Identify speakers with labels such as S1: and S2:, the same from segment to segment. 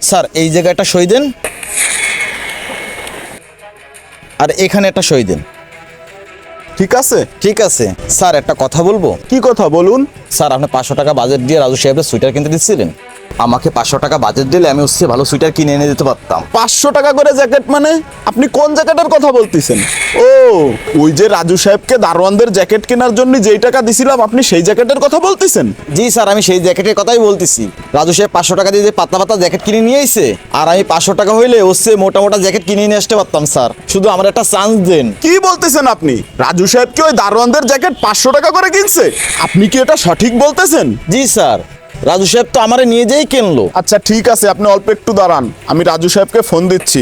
S1: Sir এই জায়গায় একটা সই দেন, আর এখানে একটা সই দেন।
S2: ঠিক আছে।
S1: ঠিক আছে স্যার, একটা কথা বলবো।
S2: কি কথা বলুন?
S1: স্যার আপনি 500 টাকা বাজেট দিয়ে রাজু সাহেবের সুইটার কিনতে দিচ্ছিলেন। আমাকে 500 টাকা বাজেট দিলে আমি ভালো সুইটার কিনে এনে দিতে পারতাম।
S2: 500 টাকা করে জ্যাকেট মানে? আপনি কোন জ্যাকেটের কথা বলতেছেন? ও, ওই যে রাজু সাহেবকে দারোয়ানদের জ্যাকেট কেনার জন্য যেই টাকা দিছিলাম, আপনি সেই জ্যাকেটের কথা বলতেছেন?
S1: জি স্যার, আমি সেই জ্যাকেটের কথাই বলতেছি। রাজু সাহেব 500 টাকা দিয়ে যে পাতলা পাতলা জ্যাকেট কিনে নিয়ে আইছে, আর আমি 500 টাকা হইলে মোটা মোটা জ্যাকেট কিনে নিয়ে আসতে পারতাম। স্যার শুধু আমার একটা চান্স দেন।
S2: কি বলতেছেন আপনি? রাজু সাহেব কি ওই দারোয়ানদের জ্যাকেট 500 টাকা করে কিনছে? আপনি কি এটা সঠিক বলতেছেন?
S1: জি স্যার, রাজু সাহেব তো আমারে নিয়ে যেই কিনলো।
S2: আচ্ছা ঠিক আছে, আপনি অল্প একটু দাঁড়ান, আমি রাজু সাহেবকে ফোন দিচ্ছি।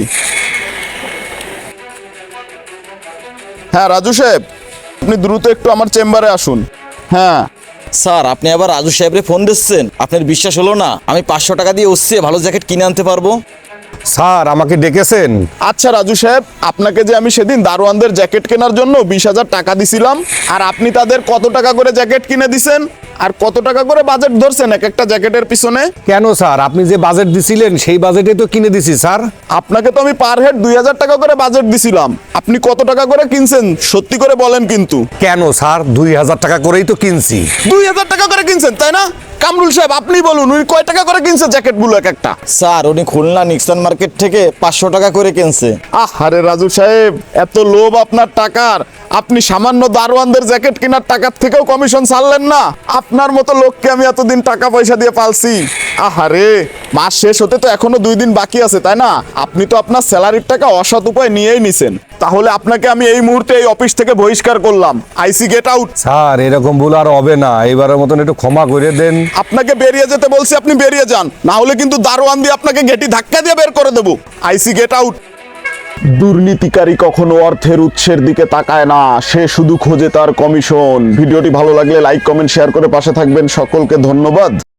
S2: হ্যাঁ রাজু সাহেব, আপনি দ্রুত একটু আমার চেম্বারে আসুন। হ্যাঁ
S1: স্যার আপনি আবার রাজু সাহেবরে ফোন দিচ্ছেন? আপনার বিশ্বাস হলো না আমি 500 টাকা দিয়ে ভালো জ্যাকেট কিনে আনতে পারবো?
S3: স্যার আমাকে ডেকেছেন?
S2: আচ্ছা রাজু সাহেব, আপনাকে যে আমি সেদিন দারোয়ানদের জ্যাকেট কেনার জন্য 20,000 টাকা দিছিলাম, আর আপনি তাদের কত টাকা করে জ্যাকেট কিনে দিছেন, আর কত টাকা করে বাজেট ধরছেন এক একটা জ্যাকেটের পিছনে?
S3: কেন স্যার, আপনি যে বাজেট দিছিলেন সেই বাজেটে তো কিনে দিছি স্যার।
S2: আপনাকে তো আমি পার হেড 2,000 টাকা করে বাজেট দিছিলাম, আপনি কত টাকা করে কিনছেন সত্যি করে বলেন কিন্তু।
S3: কেন স্যার, 2,000 টাকা করেই তো কিনছি।
S2: 2,000 টাকা করে কিনছেন তাই না? কামরুল সাহেব আপনি বলুন, উনি কয় টাকা করে কিনছে জ্যাকেটগুলো এক একটা?
S1: স্যার উনি খুলনা নিক্সন মার্কেট থেকে 500 টাকা করে কিনছে।
S2: আরে রাজু সাহেব, এত লোভ আপনার টাকার, আপনি সামান্য দারোয়ানদের জ্যাকেট কেনার টাকার থেকেও কমিশন ছাড়লেন না? আপনার মতো লোককে আমি এতদিন টাকা পয়সা দিয়ে পালছি। আহারে, মাস শেষ হতে তো এখনো 2 দিন বাকি আছে তাই না? আপনি তো আপনার স্যালারির টাকা অসৎ উপায় নিয়েই নিছেন। তাহলে আপনাকে আমি এই মুহূর্তে এই অফিস থেকে বহিষ্কার করলাম। আইসি গেট আউট।
S3: স্যার এরকম ভুল আর হবে না, এবারের মতন একটু ক্ষমা করে দেন।
S2: আপনাকে বেরিয়ে যেতে বলছি, আপনি বেরিয়ে যান, না হলে কিন্তু দারোয়ান দিয়ে আপনাকে গেটি ধাক্কা দিয়ে বের করে দেবো। আইসি গেট আউট। দুর্নীতিকারী কখনো অর্থের উৎসের দিকে তাকায় না, সে শুধু খোঁজে তার কমিশন। ভিডিওটি ভালো লাগলে লাইক কমেন্ট শেয়ার করে পাশে থাকবেন। সকলকে ধন্যবাদ।